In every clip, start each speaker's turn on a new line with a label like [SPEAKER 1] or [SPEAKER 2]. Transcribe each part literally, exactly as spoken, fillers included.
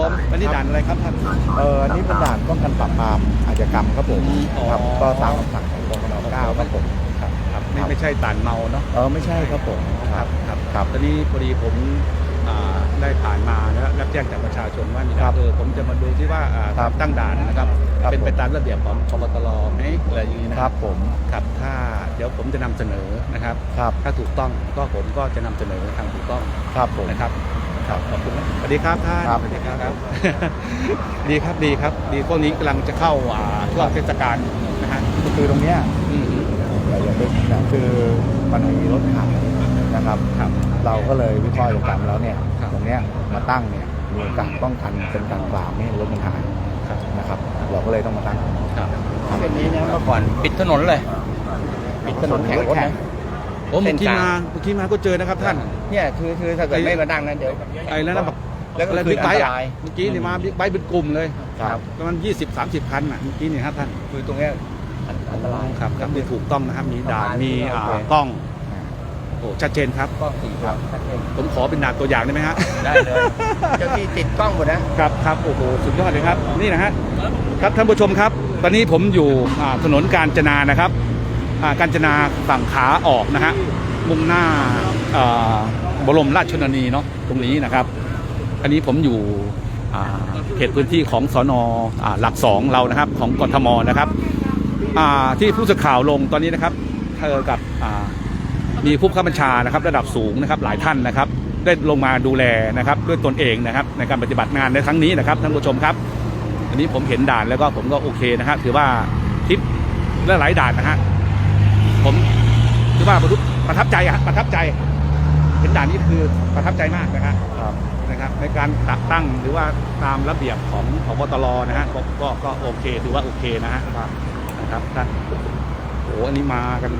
[SPEAKER 1] ผมวันนี้ด่านอะไรครับท่าน
[SPEAKER 2] เอออันนี้เป็นด่านป้องกันปราบปรามอาชญากรรมครับผมครับก็ตามคำสั่งของกองกำลังเก้าครับผมครับ
[SPEAKER 1] ครับไม่ไม่ใช่ด่านเมาเนาะ
[SPEAKER 2] เออไม่ใช่ครับผม
[SPEAKER 1] ครับครับครับตอนนี้พอดีผมได้ผ่านมาแล้วรับแจ้งจากประชาชนว่านี่ครับเออผมจะมาดูที่ว่าตั้งด่านนะครับเป็นไปตามระเบียบของพบตรไหมอะไรอย่างนี้นะครับ
[SPEAKER 2] ผม
[SPEAKER 1] ครับถ้าเดี๋ยวผมจะนำเสนอนะครับ
[SPEAKER 2] ครับ
[SPEAKER 1] ถ้าถูกต้องก็ผมก็จะนำเสนอทางถูกต้อง
[SPEAKER 2] ครับผม
[SPEAKER 1] นะครับครับขอบคุณนะสวัสดีครับท่าน
[SPEAKER 2] สวัสดีครับ
[SPEAKER 1] ดีครับดีครับดีพวกนี้กำลังจะเข้าช่วงเทศกาลนะฮะ
[SPEAKER 2] คือตรงเนี้ยอย่างเป็นคือมันมีรถขับนะครับเราก็เลยวิเคราะห์กันแล้วเนี่ยตรงเนี้ยมาตั้งเนี่ยมีการป้องกันเป็นการปราบไม่ให้รถมันหายนะครับเราก็เลยต้องมาตั้ง
[SPEAKER 1] เส้นนี้เนี่ยเมื่อก่อนปิดถนนเลยปิดถนนแข่งรถนะผมเมื่อกี้มาเมื่อกี้มาก็เจอนะครับท่าน
[SPEAKER 3] เนี่ยคือคือถ้าเกิดไม่มาดังนั้นเดี๋ยว
[SPEAKER 1] ไอ้แล้วนะแล้วก็บิ๊กไบค์เมื่อกี้นี่มาบิ๊กไบค์เป็นกลุ่มเลยประมาณยี่สิบสามสิบคันอ่ะเมื่อกี้นี่ครับท่าน
[SPEAKER 3] คือตรงนี้อันตราย
[SPEAKER 1] ครับครับที่ถูกต้องนะครับมีด่านมีกล้องโอ้ชัดเจนครับ
[SPEAKER 3] กล้องสี่ครับชัดเจน
[SPEAKER 1] ผมขอเป็นด่านตัวอย่างได้ไหมฮะ
[SPEAKER 3] ได้เลยเจ้าที่ติดกล้องหมดนะครับ
[SPEAKER 1] ครับโอ้โหสุดยอดเลยครับนี่นะฮะครับท่านผู้ชมครับตอนนี้ผมอยู่ถนนกาญจนานะครับกาญจนาฝั่งขาออกนะฮะมุ่งหน้าบรมราชชนนีเนาะตรงนี้นะครับอันนี้ผมอยู่เขตพื้นที่ของสน.หลักสองเรานะครับของกทมนะครับที่ผู้สื่อข่าวลงตอนนี้นะครับเจอกับมีผู้บังคับบัญชานะครับระดับสูงนะครับหลายท่านนะครับได้ลงมาดูแลนะครับด้วยตนเองนะครับในการปฏิบัติงานในครั้งนี้นะครับท่านผู้ชมครับอันนี้ผมเห็นด่านแล้วก็ผมก็โอเคนะครับถือว่าทริปและหลายด่านนะฮะผมถือว่าประทับใจอะประทับใจเห็นด่านนี้คือประทับใจมากนะครับนะครับในการตัดตั้งหรือว่าตามระเบียบของของพบตรนะฮะก็ก็โอเคถือว่าโอเคนะฮะนะครับท่านโอ้อันนี้มากัน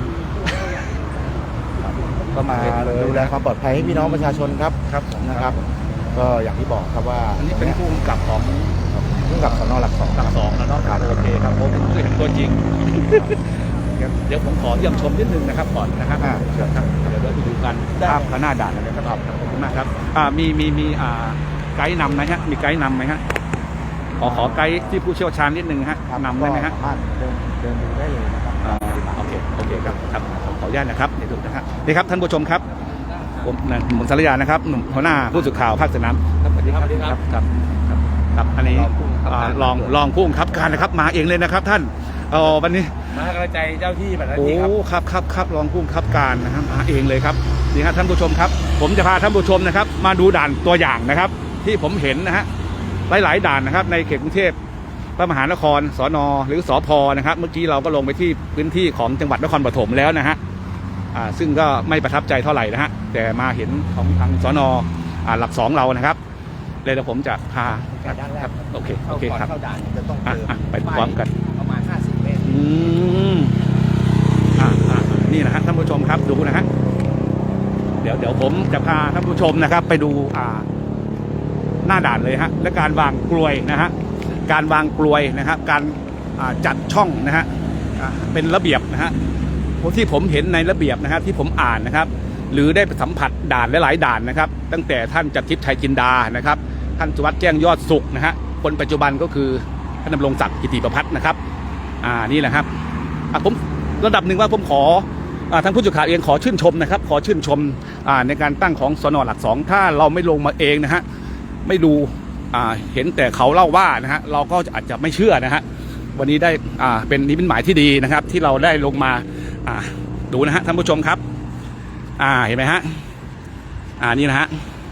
[SPEAKER 2] ก็มาดูแลความปลอดภัยให้พี่น้องประชาชนครับ
[SPEAKER 1] ครับ
[SPEAKER 2] นะครับก็อย่างที่บอกครับว่า
[SPEAKER 1] อันนี้เป็นผู้กำกับของ
[SPEAKER 2] ผู้กำกับสน.หลักสอง
[SPEAKER 1] หลักสองแล้วเนาะโอเคครับผมเคยเห็นตัวจริงเดี๋ยวผมขอเยี่ยมชมนิดนึงนะครับก่อนนะครับเชิญครับเดี๋ยวเราไปดูกันภาพข้างหน้าด่านเลยครับขอบคุณมากครับมีมีมีไกด์นำไหมฮะมีไกด์นำไหมฮะขอขอไกด์ที่ผู้เชี่ยวชาญนิดนึงฮะนำได้ไหมฮะ
[SPEAKER 2] เดินเดินดูได้เลยนะครับ
[SPEAKER 1] โอเคโอเคครับครับขออนุญาตนะครับเดี๋ยวดูนะครับนี่ครับท่านผู้ชมครับผมหมุนสารยานะครับหนุ่มหัวหน้าผู้สื่อข่าวภาคสนาม
[SPEAKER 3] สวัสดีครับ
[SPEAKER 1] ครับครับครับอันนี้ลองลองผู้บังคับการนะครับมาเองเลยนะครับท่านอ๋อวันนี้
[SPEAKER 3] มากระจายเจ้าที่แบบ
[SPEAKER 1] นี้ครับโอ้ครับครับครับรองผู้บังคับการนะครับมาเองเลยครับนี่ครับท่านผู้ชมครับผมจะพาท่านผู้ชมนะครับมาดูด่านตัวอย่างนะครับที่ผมเห็นนะฮะหลายๆด่านนะครับในเขตกรุงเทพพระมหานครสน.หรือสพ.นะครับเมื่อกี้เราก็ลงไปที่พื้นที่ของจังหวัดนครปฐมแล้วนะฮะอ่าซึ่งก็ไม่ประทับใจเท่าไหร่นะฮะแต่มาเห็นของทางสน.อ่าหลักสองเรานะครับเลยเดี๋ยวผมจะพาครับโอเคโอเคครับไปพร้อมกัน
[SPEAKER 3] ประมาณห้าสิบเมตร
[SPEAKER 1] อืมอ่าอ่านี่นะฮะท่านผู้ชมครับดูนะฮะเดี๋ยวเดี๋ยวผมจะพาท่านผู้ชมนะครับไปดูอ่าหน้าด่านเลยฮะและการวางกลวยนะฮะการวางกลวยนะครับการจัดช่องนะฮะเป็นระเบียบนะฮะที่ผมเห็นในระเบียบนะครับที่ผมอ่านนะครับหรือได้สัมผัสด่านหลายๆด่านนะครับตั้งแต่ท่านจักรทิพย์ชัยจินดานะครับท่านสุวัสดิ์แจ้งยอดสุขนะฮะคนปัจจุบันก็คือท่านดำรงศักดิ์กิติประภัสนะครับอ่านี่แหละครับผมระดับหนึ่งว่าผมขอท่านผู้สื่อข่าวเองขอชื่นชมนะครับขอชื่นชมในการตั้งของสน.หลักสองถ้าเราไม่ลงมาเองนะฮะไม่ดูเห็นแต่เขาเล่าว่านะฮะเราก็อาจจะไม่เชื่อนะฮะวันนี้ได้เป็นนิมิตหมายที่ดีนะครับที่เราได้ลงมาดูนะฮะท่านผู้ชมครับเห็นไหมฮะนี่นะฮะ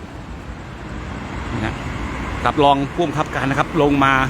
[SPEAKER 1] นะรับรองผู้บังคับการนะครับลงมา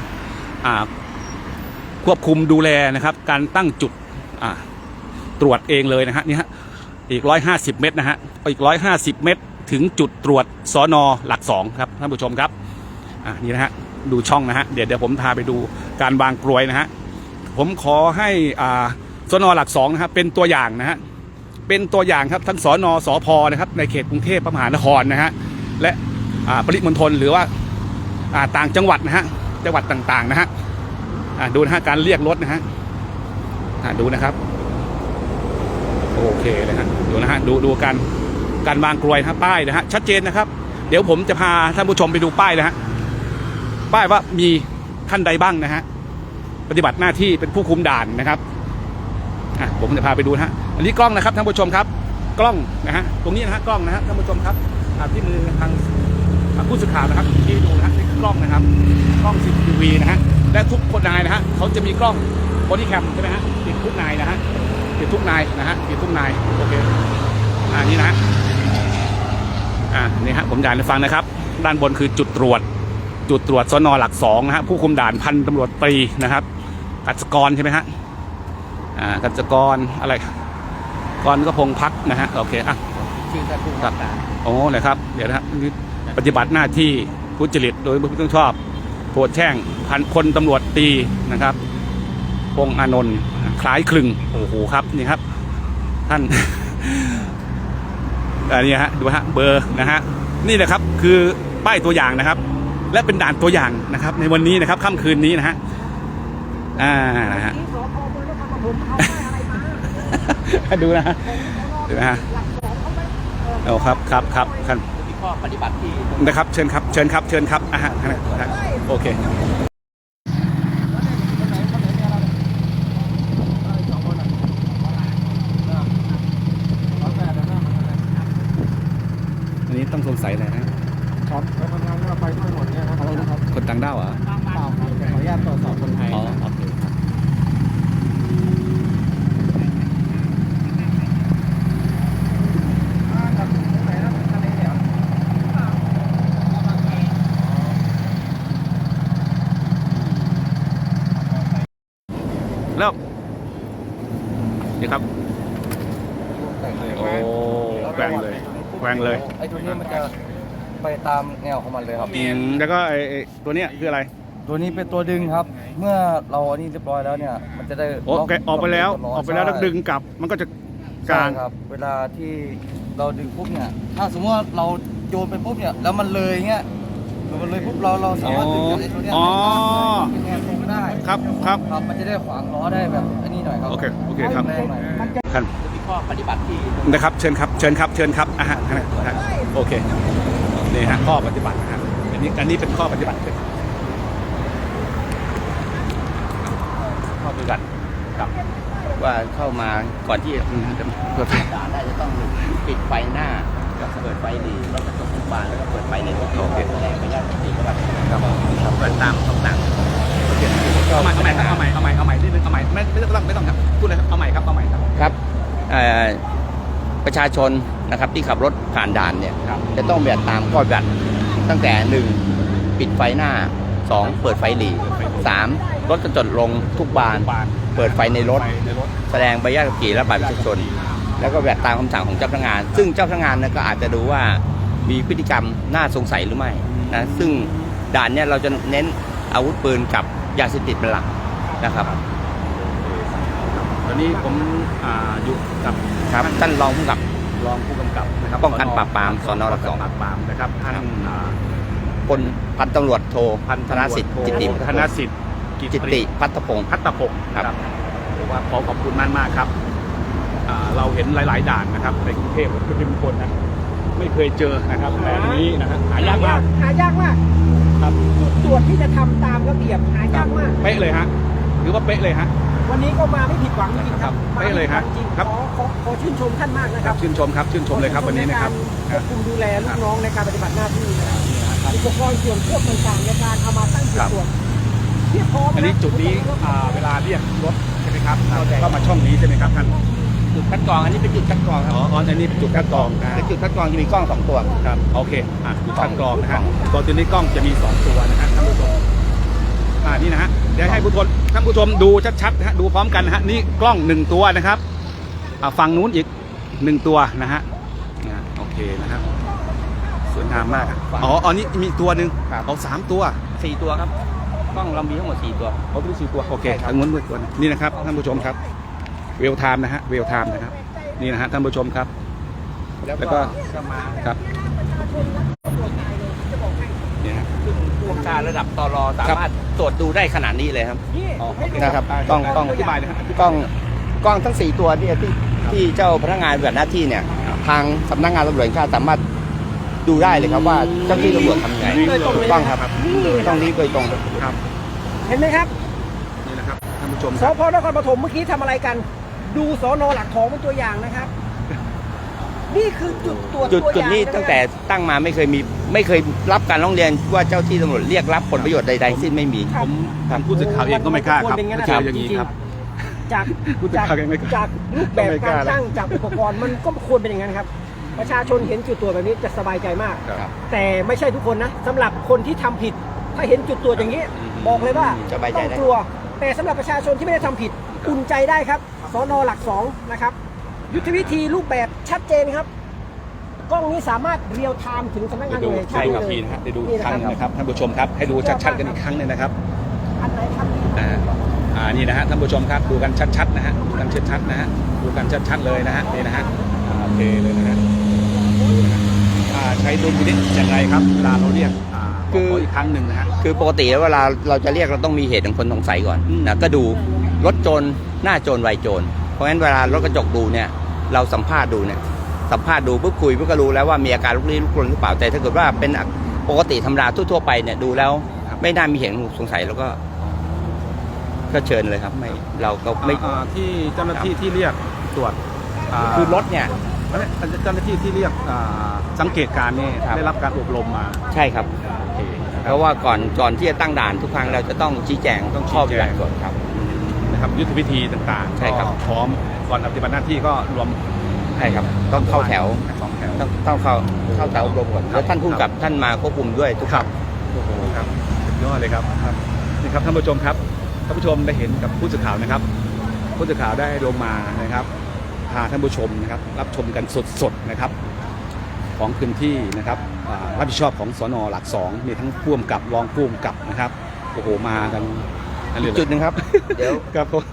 [SPEAKER 1] ควบคุมดูแลนะครับการตั้งจุดตรวจเองเลยนะฮะนี่ฮะอีกร้อยห้าสิบเมตรนะฮะอีกร้อยห้าสิบเมตรถึงจุดตรวจสน.หลักสองครับท่านผู้ชมครับอ่านี่นะฮะดูช่องนะฮะเดี๋ยวเดี๋ยวผมพาไปดูการวางกลวยนะฮะผมขอให้อ่าสน.หลักสองนะครับเป็นตัวอย่างนะฮะเป็นตัวอย่างครับทั้งสน.สพ.นะครับในเขตกรุงเทพมหานครนะฮะและอ่าปริมณฑลหรือว่าอ่าต่างจังหวัดนะฮะจังหวัดต่างๆนะฮะอ่าดูนะฮะการเรียกรถนะฮะอ่าดูนะครับโอเคเลยฮะดูนะฮะดูดูการการวางกลวยนะป้ายนะฮะชัดเจนนะครับเดี๋ยวผมจะพาท่านผู้ชมไปดูป้ายนะฮะป้ายว่ามีท่านใดบ้างนะฮะปฏิบัติหน้าที่เป็นผู้คุมด่านนะครับอ่ะผมจะพาไปดูนะฮะอันนี้กล้องนะครับท่านผู้ชมครับกล้องนะฮะตรงนี้นะฮะกล้องนะฮะท่านผู้ชมครับอ่าที่มือทางผู้สื่อข่าวนะครับที่ดูนะฮะนี่คือกล้องนะครับกล้อง ซี ซี ที วี นะฮะและทุกคนนายนะฮะเขาจะมีกล้องบอดี้แคมใช่ไหมฮะติดทุกนายนะฮะติดทุกนายนะฮะติดทุกนายโอเคอ่านี่นะฮะอ่านี่ฮะผมจะอ่านให้ฟังนะครับด้านบนคือจุดตรวจจุดตรวจสน.หลักสองนะฮะผู้คุมด่านพันตำรวจตรีนะครับกัจจกรใช่ไหมฮะอ่ากัจจกรอะไรกรก็พงพักนะฮะโอเคอ่ะ
[SPEAKER 3] ชื่อท่านผู้
[SPEAKER 1] ครั
[SPEAKER 3] ว่า
[SPEAKER 1] บ
[SPEAKER 3] การ
[SPEAKER 1] โอ้เลยครับเดี๋ยวนะครับปฏิบัติหน้าที่ทุจริตโดยไม่ต้องชอบโปรดแช่งพันพลตำรวจตีนะครับพงษ์อานนท์คล้ายคลึงโอ้โหครับนี่ครับท่าน อันนี้ฮะดูฮะเบอร์นะฮะนี่แหละครับคือป้ายตัวอย่างนะครับ และเป็นด่านตัวอย่างนะครับในวันนี้นะครับค่ำคืนนี้นะฮะอ่านะฮะ ดูนะฮะดูนะฮะเอาครับครับครับครับ
[SPEAKER 3] มีข้อปฏิบัติที่
[SPEAKER 1] นะครับเชิญครับเชิญครับเชิญครับอ่ะฮะโอเคอันนี้ต้องสงสัยอะไรนะครับ
[SPEAKER 3] ไปทำงานก็ไปด้วยหมดเนี่ยนะครับอะไรนะครับ
[SPEAKER 1] คนต่างด้าวเหรอ
[SPEAKER 3] เปล่าครับขออนุญาตตรวจสอบคนไทย
[SPEAKER 1] อ๋อ
[SPEAKER 3] นะ
[SPEAKER 1] โอเคแล้วนี่ครับโอ้แกว่งเลยแกว่งเลย
[SPEAKER 4] ไอ้ตัวนี้มันจะไปตามแนวของมันเลยครับ
[SPEAKER 1] อืมแล้วก็ไอ้ไอ้ตัวเนี้ยคืออะไร
[SPEAKER 4] ตัวนี้เป็นตัวดึงครับ เมื่อเราอันนี้เรียบร้อยแล้วเนี่ย มันจะได้
[SPEAKER 1] โอ้
[SPEAKER 4] ล็
[SPEAKER 1] แกะออกไปแล้ว
[SPEAKER 4] ตัวล้
[SPEAKER 1] ออกไปแล้วแล้วดึงกลับมันก็จะก
[SPEAKER 4] ใช่
[SPEAKER 1] ลาง
[SPEAKER 4] ครับ เวลาที่เราดึงปุ๊บเนี่ย ถ้าสมมติว่าเราโยนไปปุ๊บเนี่ย แล้วมันเลยเงี้ยมันเลยปุ๊บเราเราสามารถดึงจากไอ้ตัวเนี้ย
[SPEAKER 1] อ๋อ
[SPEAKER 4] เป็นแนวตรงได้
[SPEAKER 1] ครับครับ
[SPEAKER 4] ครับ มันจะได้ขวางล้อได้แบบอันนี้หน่อยครับ
[SPEAKER 1] โอเคโอเคครับ
[SPEAKER 4] แรงหน่อย
[SPEAKER 1] ท่าน
[SPEAKER 3] มีข้อปฏิบัติที่
[SPEAKER 1] นะครับเชิญครับเชิญครับเชิญครับอ่ะฮะฮะโอเคนี่ฮะข้อปฏิบัตินะฮะอันนี้อันนี้เป็นข้อปฏิบัติข้อปฏิบัติครับ
[SPEAKER 3] ว่าเข้ามาก่อนที่
[SPEAKER 1] อืมจะเพื่อ
[SPEAKER 3] ด่านได้จะต้องปิดไฟหน้าเปิดไฟหลีรถกระจกทุกบานแล้วก็เปิดไฟในรถโอเคแสดงไปญาติปฏิบัติครับเปิดตามคำสั่ง
[SPEAKER 1] เอาใหม่เอาใหม่ครับเอาใหม่เอาใหม่เอาใหม่นิดนึงเอาใหม่ไม่ไม่ต้องไม่ต้องครับพูดเลยครับเอาใหม่ครับเอาใหม่ครับ
[SPEAKER 5] ครับเอ่อประชาชนนะครับที่ขับรถผ่านด่านเนี่ย
[SPEAKER 1] ครับ
[SPEAKER 5] จะต้องแบบตามข้อปฏิบัติตั้งแต่หนึ่งปิดไฟหน้าสองเปิดไฟหลีสามรถกระจกลงทุกบาน
[SPEAKER 1] บาน
[SPEAKER 5] เปิดไฟในรถ
[SPEAKER 1] ไฟในรถ
[SPEAKER 5] แสดงใบอนุญาตขับขี่และบัตรประชาชน แล้วก็แบบตามคำสั่งของเจ้าพนักงาน ซึ่งเจ้าพนักงานเนี่ยก็อาจจะดูว่ามีพฤติกรรมน่าสงสัยหรือไม่นะซึ่งด่านเนี่ยเราจะเน้นอาวุธปืนกับยาเสพติดเป็นหลักนะครับ
[SPEAKER 1] ตอนนี้ผมอ่าอยู่กับ
[SPEAKER 5] ครับท่านรองผู้กำกับ
[SPEAKER 1] รองผู้กำกับนะครับ
[SPEAKER 5] ป้องกันปราบปรามสนหลักสอง
[SPEAKER 1] ป้องกันปราบปรามนะครับท่านอ่า
[SPEAKER 5] พลพันตำรวจโท
[SPEAKER 1] พัน
[SPEAKER 5] ธนสิทธิ์จิตติ
[SPEAKER 1] ธนสิทธิ์
[SPEAKER 5] จิตติพัฒพงศ์
[SPEAKER 1] พัฒพงศ์
[SPEAKER 5] ครับ
[SPEAKER 1] ผมว่าขอขอบคุณมากมากๆครับอ่าเราเห็นหลาย ๆ ด่านนะครับในกรุงเทพและปริมณฑลนะไม่เคยเจอนะครับแบบนี้นะครับหายากมาก
[SPEAKER 6] หายากมาก
[SPEAKER 1] ครับ
[SPEAKER 6] จุดตรวจที่จะทำตามระเบียบหายากมาก
[SPEAKER 1] เป๊ะเลยฮะหรือว่าเป๊ะเลยฮะ
[SPEAKER 6] วันนี้ก็มาไม่ผิดหวังจริงๆครับ
[SPEAKER 1] ครับได้เลยฮะ
[SPEAKER 6] มาไม่ผิดหวังจริง
[SPEAKER 1] ครับ
[SPEAKER 6] ขอขอขอชื่นชมท่านมากนะค
[SPEAKER 1] ครั
[SPEAKER 6] รั
[SPEAKER 1] บบ ชื่นชมครับชื่นชมเลยครับวันนี้นะครับ
[SPEAKER 6] ควบคุมดูแลลูกน้องในการปฏิบัติหน้าที่นะครับอุปกรณ์ส่วนควบต่างๆในการเอามาตั้งจุดตรวจเพียบพร้อมะ
[SPEAKER 1] อันนี้จุดนี้อ่าเวลาเรียกรถใช่ไหมครับก็มาช่องนี้ใช่ไหมครับท่าน
[SPEAKER 5] จุดคัดกรองอันนี้เป็นจุดคัดกรองครับ
[SPEAKER 1] อ๋ออ๋ออันนี้เป็นจุดคัดกรองนะ
[SPEAKER 5] เป็นจุดคัดกรองจะมีกล้องสองตัว
[SPEAKER 1] ครับโอเคอ่ะจุดคัดกรองนะฮะตัวตัวนี้กล้องจะมีสองตัวนะฮะท่านผู้ชมอ่านี่นะฮะเดี๋ยวให้ผู้ชมท่านผู้ชมดูชัดๆนะฮะดูพร้อมกันนะฮะนี่กล้องหนึ่งตัวนะครับอ่าฝั่งนู้นอีกหนึ่งตัวนะฮะอ่าโอเคนะครับสวยงามมากอ๋ออันนี้มีตัวหนึ่งเอาสามตัว
[SPEAKER 5] สี่ตัวครับกล้องเรามีทั้งหมดสี่ตัว
[SPEAKER 1] เอาไปสี่ตัวโอเคทางนู้นด้วยตัวหนึ่งนี่นะครับท่านผู้ชมครับเวลไทม์นะฮะเวลไทม์นะครับนี่นะฮะท่านผู้ชมครับ
[SPEAKER 5] แล้ว
[SPEAKER 1] แล้ว
[SPEAKER 5] ก็
[SPEAKER 1] ก็
[SPEAKER 5] จะมา
[SPEAKER 1] ครับเนี่ยฮะ
[SPEAKER 5] ซึ่งผู้บัญชาการระดับตรสามารถตรวจดูได้ขนาดนี้เลยครับ
[SPEAKER 6] นี่
[SPEAKER 1] อ๋อโอเค
[SPEAKER 5] นะครับกล้องกล้อง
[SPEAKER 1] อธิบายเลยฮะ
[SPEAKER 5] กล้องกล้องทั้งสี่ตัวเนี่ยที่ที่เจ้าพนักงานปฏิบัติหน้าที่เนี่ยทางสำนักงานตำรวจแห่งชาติสามารถดูได้เลยครับว่าเจ้าที่ตำรวจทำยังไง
[SPEAKER 6] โดยตรงเลย
[SPEAKER 5] ต้องครับ
[SPEAKER 6] นี่
[SPEAKER 5] ต้องรีบโดยตรง
[SPEAKER 1] ครับ
[SPEAKER 6] เห็นไหมครับ
[SPEAKER 1] นี่นะครับท่านผู้ชม
[SPEAKER 6] ส
[SPEAKER 1] ครับ
[SPEAKER 6] พนครปฐมเมื่อกี้ทำอะไรกัน ดูสนหลักของเป็นตัวอย่างนะครับ นี่คือจุดตรวจ
[SPEAKER 5] จุด
[SPEAKER 6] ตัวอ
[SPEAKER 5] จุด
[SPEAKER 6] ย่าง
[SPEAKER 5] นี้
[SPEAKER 6] ะครับ
[SPEAKER 5] ตั้งแต่ตั้งมาไม่เคยมีไม่เคยรับการร้องเรียนว่าเจ้าที่ตำรวจเรียกรับผลประโยชน์ใดๆสิ้นไม่มี
[SPEAKER 6] ครับ
[SPEAKER 1] ผมทางผู้สื่อข่าวเองก็ไม่กล้าครับ
[SPEAKER 6] มัน
[SPEAKER 1] ไม่
[SPEAKER 6] น
[SPEAKER 1] เจ
[SPEAKER 6] ว
[SPEAKER 1] อ
[SPEAKER 6] ร
[SPEAKER 1] อย่างนี้
[SPEAKER 6] จริงๆ
[SPEAKER 1] ครับ
[SPEAKER 6] จาก
[SPEAKER 1] ผู้สื่อ
[SPEAKER 6] จาก
[SPEAKER 1] ข่าวยังไม่กล้า
[SPEAKER 6] จากรูปแบบ
[SPEAKER 1] ไม่ก
[SPEAKER 6] กา
[SPEAKER 1] ล้าร
[SPEAKER 6] ตั้งจากอุปกรณ์มันก็ควรเป็นอย่างนั้นครับ ประชาชนเห็นจุดตรวจแบบนี้จะสบายใจมาก
[SPEAKER 1] ครับ
[SPEAKER 6] แต่ไม่ใช่ทุกคนนะสำหรับคนที่ทำผิด ถ้าเห็นจุดตรวจอย่างนี้ บอกเลยว่า
[SPEAKER 5] สบายใจ
[SPEAKER 6] ต้อง
[SPEAKER 5] ได้
[SPEAKER 6] กลัว แต่สำหรับประชาชนที่ไม่ได้ทำผิดอุ่นใจได้ครับสนหลักสองนะครับยุทธวิธีรูปแบบชัดเจนครับกล้องนี้สามารถเรียลไทม์ถึงสำนักงานตำรวจแห่งชา
[SPEAKER 1] ใช่
[SPEAKER 6] ติ
[SPEAKER 1] ครับ
[SPEAKER 6] เลย
[SPEAKER 1] พี่นะฮะได้ดู
[SPEAKER 6] นี่
[SPEAKER 1] ครั้ง
[SPEAKER 6] นะครับ
[SPEAKER 1] นะครับท่านผู้ชมครับให้ดูชัดๆกันอีกครั้งหนึงนะครับ
[SPEAKER 6] อันไหนครับ
[SPEAKER 1] อ่าอ่านี่นะฮะท่านผู้ชมครับดูกันชัดๆนะฮะดูกันชัดๆนะฮะดูกันชัดๆเลยนะฮะนี่นะฮะอ่าโอเคเลยนะฮะดูนะฮะอ่าใช้ดุลพินิจอย่างไรครับเวลาเราเรียกอ่าขออีกครั้งหนึ่งนะฮะ
[SPEAKER 5] คือปกติแล้วเวลาเราจะเรียกเราต้องมีเหตุของคนสงสัยก่อน
[SPEAKER 1] อืม
[SPEAKER 5] นะก็ดูรถโจรหน้าโจรวัยโจรเพราะงั้นเวลารถกระจกดูเนี่ยเราสัมภาษณ์ดูเนี่ยสัมภาษณ์ดูปุ๊บคุยปุ๊บก็รู้แล้วว่ามีอาการลุกลี้ลุกลนหรือเปล่าแต่ถ้าเกิดว่าเป็นปกติธรรมดาทั่วๆไปเนี่ยดูแล้วไม่น่ามีเหตุสงสัยแล้วก็ก็เชิญเลยครับไม่เราก็ไม่
[SPEAKER 1] อ่าที่เจ้าหน้าที่ที่เรียกตรวจา
[SPEAKER 5] คือรถเนี่ย
[SPEAKER 1] เจ้าหน้าที่ที่เรียกอ่าสังเกตการณ์นี่
[SPEAKER 5] ครับ
[SPEAKER 1] ได้รับการอบรมมา
[SPEAKER 5] ใช่ครับ
[SPEAKER 1] โอเคนะค
[SPEAKER 5] เพ
[SPEAKER 1] รับ
[SPEAKER 5] ราะว่าก่อนก่อนที่จะตั้งด่านทุกครั้งเราจะต้องชี้แจง
[SPEAKER 1] ต้องชี้
[SPEAKER 5] ข้อ
[SPEAKER 1] แจง
[SPEAKER 5] ปฏิบัติก่อนครับ
[SPEAKER 1] นะครับยุทธวิธีต่างๆ
[SPEAKER 5] ใช่ครับ
[SPEAKER 1] ก็พร้อมก่อนปฏิบัติหน้าที่ก็รวม
[SPEAKER 5] ใช่ครับต้องเข้าแถว
[SPEAKER 1] สองแถว
[SPEAKER 5] ต้องต้องเข้าเข้าแถวอบรมก่อนแล้วท่านผู้กำกับท่านมาควบคุมด้วยทุก
[SPEAKER 1] ครับโอ้โหครับสุดยอดเลยครับครับนี่ครับท่านผู้ชมครับท่านผู้ชมได้เห็นกับผู้สื่อข่าวนะครับ ผู้สื่อข่าวได้ลงมานะครับพาท่านผู้ชมนะครับรับชมกันสดๆนะครับ ของพื้นที่นะครับอ่ารับผิดชอบของสนหลักสองมีทั้งผู้กำกับรองผู้กำกับนะครับโอ้โหมากันอันนี้
[SPEAKER 5] จุดหนึ่งครับ เดี๋ยว
[SPEAKER 1] ครับผม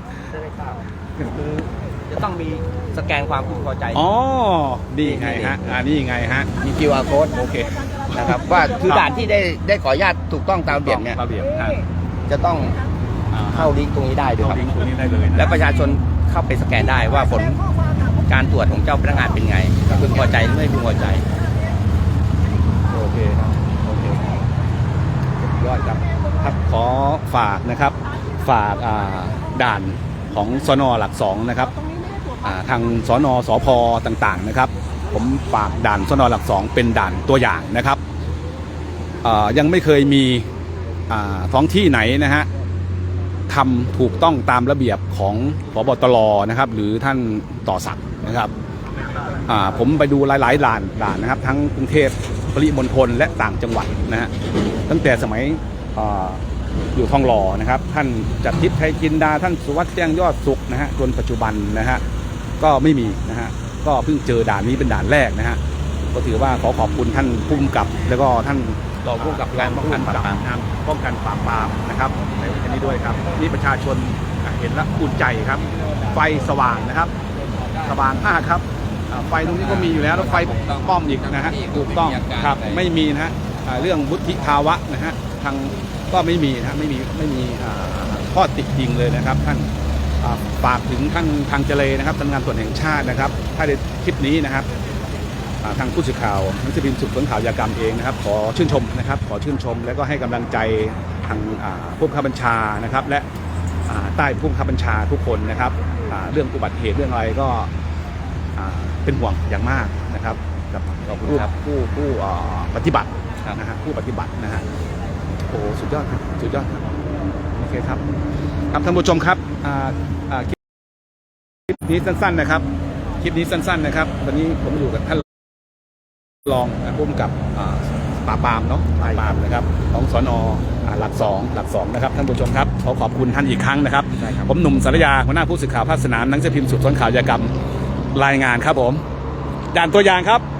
[SPEAKER 5] จะต้องมีสแกนความพึงพอใจ
[SPEAKER 1] อ๋อนี่ไงฮะอ่านี่ไงฮะ
[SPEAKER 5] มี คิว อาร์ code
[SPEAKER 1] โอเค
[SPEAKER 5] นะครับว่าคือด่านที่ได้ได้ขออนุญาตถูกต้องตามระเบียบเนี่ย
[SPEAKER 1] ระเบียบฮะ
[SPEAKER 5] จะต้อง
[SPEAKER 1] อ่า
[SPEAKER 5] เข้าลิงก์ตรงนี้ได้ด้วย
[SPEAKER 1] เข้า
[SPEAKER 5] ครับ
[SPEAKER 1] ลิงก์ตัวนี้ได้เลยนะ
[SPEAKER 5] และประชาชนเข้าไปสแกนได้ว่าผลการตรวจของเจ้าพนักงานเป็นไงพึงพอใจหรือไม่พึงพอใจ
[SPEAKER 1] โอเคครับโอเคสุดยอดครับครับขอฝากนะครับฝากอ่าด่านของสนหลักสองนะครับอ่าทางสนสพต่างๆนะครับ ผมฝากด่านสนหลักสองเป็นด่านตัวอย่างนะครับอ่ายังไม่เคยมีอ่าท้องที่ไหนนะฮะทำถูกต้องตามระเบียบของผบตรนะครับ หรือท่านต่อศักดิ์นะครับอ่าผมไปดูหลายๆด่านด่านนะครับ ทั้งกรุงเทพปริมณฑลและต่างจังหวัดนะฮะตั้งแต่สมัยอ่าอยู่ทองหล่อนะครับ ท่านจัดทิพย์ไทยจินดาท่านสุวัสดิ์แจ้งยอดสุขนะฮะจนปัจจุบันนะฮะก็ไม่มีนะฮะก็เพิ่งเจอด่านนี้เป็นด่านแรกนะฮะก็ถือว่าขอขอบคุณท่านผู้กำกับ แล้วก็ท่าน
[SPEAKER 5] รองผู้กำกับการป้องกันปราบปราม
[SPEAKER 1] งานป้องกันปราบปรามนะครับในวันนี้ด้วยครับนี่ประชาชนเห็นแล้วอุ่นใจครับ ไฟสว่างนะครับ สว่างมากครับอ่าไฟตรงนี้ก็มีอยู่แล้วแล้วไฟป้อมอีกนะฮะถูกต้องครับไม่มีนะฮะอ่าเรื่องวุฒิภาวะนะฮะทางก็ไม่มีนะฮะไม่มีไม่มีอ่าข้อติดยิงเลยนะครับ ท่านอ่าฝากถึงท่านทางเจเลนะครับสำนักงานตรวจแห่งชาตินะครับ ถ้าในคลิปนี้นะครับอ่าทางผู้สื่อข่าวหนังสือพิมพ์สืบสวนข่าวยากรรมเองนะครับ ขอชื่นชมนะครับ ขอชื่นชม แล้วก็ให้กำลังใจทางอ่าผู้บังคับบัญชานะครับ และอ่าใต้ผู้บังคับบัญชาทุกคนนะครับอ่าเรื่องอุบัติเหตุเรื่องอะไรก็อ่าเป็นห่วงอย่างมากนะครับกับผู้ผู้ผู้อ่าปฏิบัตินะฮะผู้ปฏิบัตินะฮะโอ้โหสุดยอดครับสุดยอดครับโอเคครับครับท่านผู้ชมครับอ่าอ่าคลิปนี้สั้นๆนะครับคลิปนี้สั้นๆนะครับตอนนี้ผมอยู่กับท่านรองผู้กำกับอ่าปราบปรามเนาะปราบปรามนะครับของสนอ่าหลักสองหลักสองนะครับท่านผู้ชมครับขอขอบคุณท่านอีกครั้งนะครับผมหนุ่มสารยาหัวหน้าผู้สื่อข่าวภาคสนามหนังสือพิมพ์สืบสวนข่าวยากรรมรายงานครับผมด่านตัวอย่างครับ